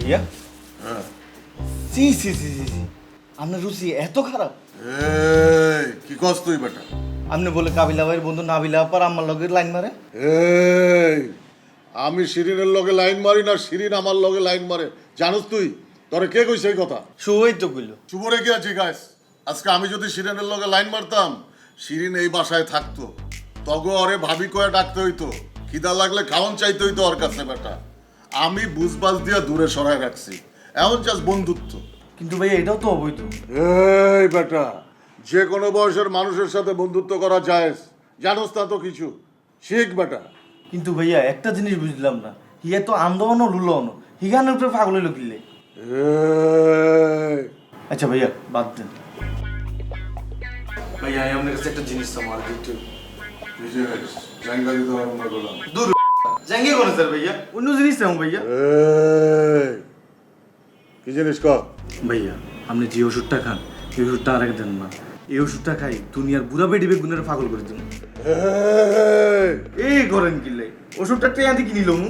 ভাইয়া হ্যাঁ সি সি সি সি সি আপনার রুচি এত খারাপ? এই কি কস তুই বেটা? আপনি বলে কাবিলা ভাইয়ের বন্ধু নাবিলা আপার আমার লগের লাইন মারে? এই আমি শিরিনের লগে লাইন মারি না, শিরিন আমার লগে লাইন মারে, জানোস তুই? তোরে কে কইছে এই কথা? শুভই তো কইল। শুভরে কি আছে গাইস? আজকে আমি যদি শিরিনের লগে লাইন মারতাম, শিরিন এই বাসায় থাকতো, তগো ওরে ভাবি কয়ে ডাকতে হইতো, খিদা লাগলে খাওয়ান চাইতে হইতো ওর কাছে বেটা। আমি বুঝবাজ দিয়া দূরে সরায় রাখছি, এমন জাস্ট বন্ধুত্ব। কিন্তু ভাইয়া এটাও তো অবৈধ। এই বেটা, যে কোনো বয়সের মানুষের সাথে বন্ধুত্ব করা যায়, জানোস না তো কিছু, শিখ বেটা। কিন্তু ভাইয়া একটা জিনিস বুঝলাম না, হিয়া তো আন্দোলনও লুলোনো হিগানের উপরে পাগল হইল কিনলে। এই, আচ্ছা ভাইয়া বাদ দেন। ভাইয়া আমি আপনার কাছে একটা জিনিস আমার দিতে কি জিনিস? জাঙ্গা দিতে পারবো না বললাম। দূর জাঙ্গি করে স্যার ভাইয়া, অন্য জিনিস চাও ভাইয়া। এই, কি জিনিস কর? ভাইয়া আপনি যে ওষুধটা খান এই ওষুধটা আর দেন না। এই ওষুধটা খাই দুনিয়ার বুড়া বেডি বেগুনের পাগল করে দিন। এই করেন কিনলে ওষুধটা ট্রেন থেকে কিনিল মু।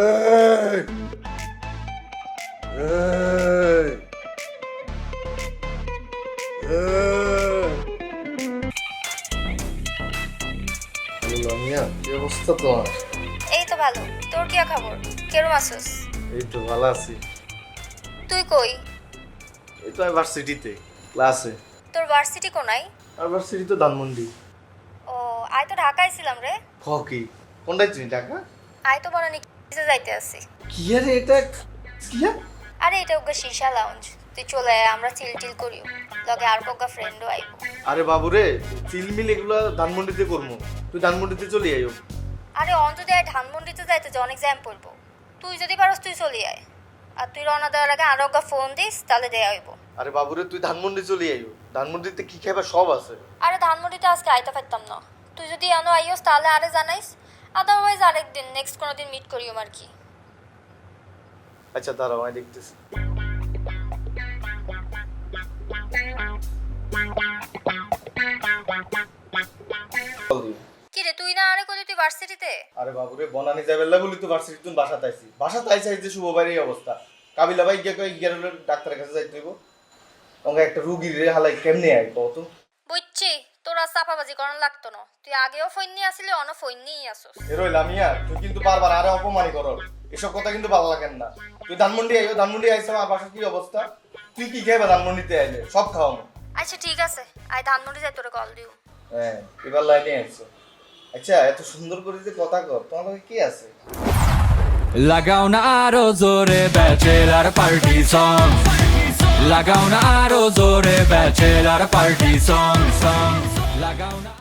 কি অবস্থা তোমার? এই তো ভালো। তোর কি খবর? কেরম আছিস? এই তো ভালো আছি। তুই কই? এই তো আমি ভার্সিটিতে ক্লাসে। তোর ভার্সিটি কোনায়? আর ভার্সিটি তো ধানমন্ডি। ও আই তো ঢাকায় ছিলাম রে। কি কোনটাই চিনি টাকা? আই তো বনানি যাইতে আছি। কি আরে এটা কি? আরে এটা ওগা শিশা লাউঞ্জ। তুই চলে আয়, আমরা চিল করিও। লগে আর কোগা ফ্রেন্ডও আইবো। আরে বাবু রে, চিলমিল এগুলো ধানমন্ডিতে করবো, তুই ধানমন্ডিতে চলে আইও। আরে অন্তত আয় ধানমন্ডিতে যাইতে যে অনেক জ্যাম পড়বো। তুই যদি পারস তুই চলে আয়। আর তুই রওনা দেওয়ার আগে আর ওগা ফোন দিস, তাহলে দেয়া হইব। আরে বাবু রে, তুই ধানমন্ডি চলে আইও, ধানমন্ডিতে কি খাবার সব আছে। আরে ধানমন্ডিতে আজকে আইতে পারতাম না। তুই যদি আনো আইস তাহলে আরে জানাইস। আদারওয়াইজ আরেকদিন নেক্সট কোনো দিন মিট করিও আর কি। আচ্ছা দাঁড়াও, আমি দেখতেছি। কি রে তুই না আরে কলি তুই ভার্সিটিতে? আরে বাবু রে, বনানি যাবেলা বলি তো ভার্সিটি তুই বাসাতে আইছি। বাসাতে আইছি যে শুভ ভাইয়ের এই অবস্থা। কাবিলা ভাই গিয়ে কই গিয়ে ডাক্তারের কাছে যাইতে হইব। ওকে একটা রোগীর রে হালাই কেমনে আই কত? বুঝছি তোরা চাপাবাজি করার লাগতো না। তুই আগেও ফোন নিয়ে আসলি, অন ফোন নিয়েই আসস। এ রইলাম ইয়া, তুই কিন্তু বারবার আরে অপমানই করো। এসব কথা কিন্তু ভালো লাগে না। তুই ধানমন্ডি আইও, ধানমন্ডি আইছ, আমার বাসার কি অবস্থা? তুই কি খাইবা ধানমন্ডিতে আইলে? সব খাওয়ামো। আচ্ছা ঠিক আছে, আই ধানমন্ডি যাই তোরে কল দিও। হ্যাঁ, এবার লাইনে আইছো। আচ্ছা এত সুন্দর করে যে কথা কর, তোমার লগে কি আছে? লাগাও না আরো জোরে ব্যাচেলার পার্টি সং, লাগাও না আরো জোরে ব্যাচেলার পার্টি সং, লাগাও না।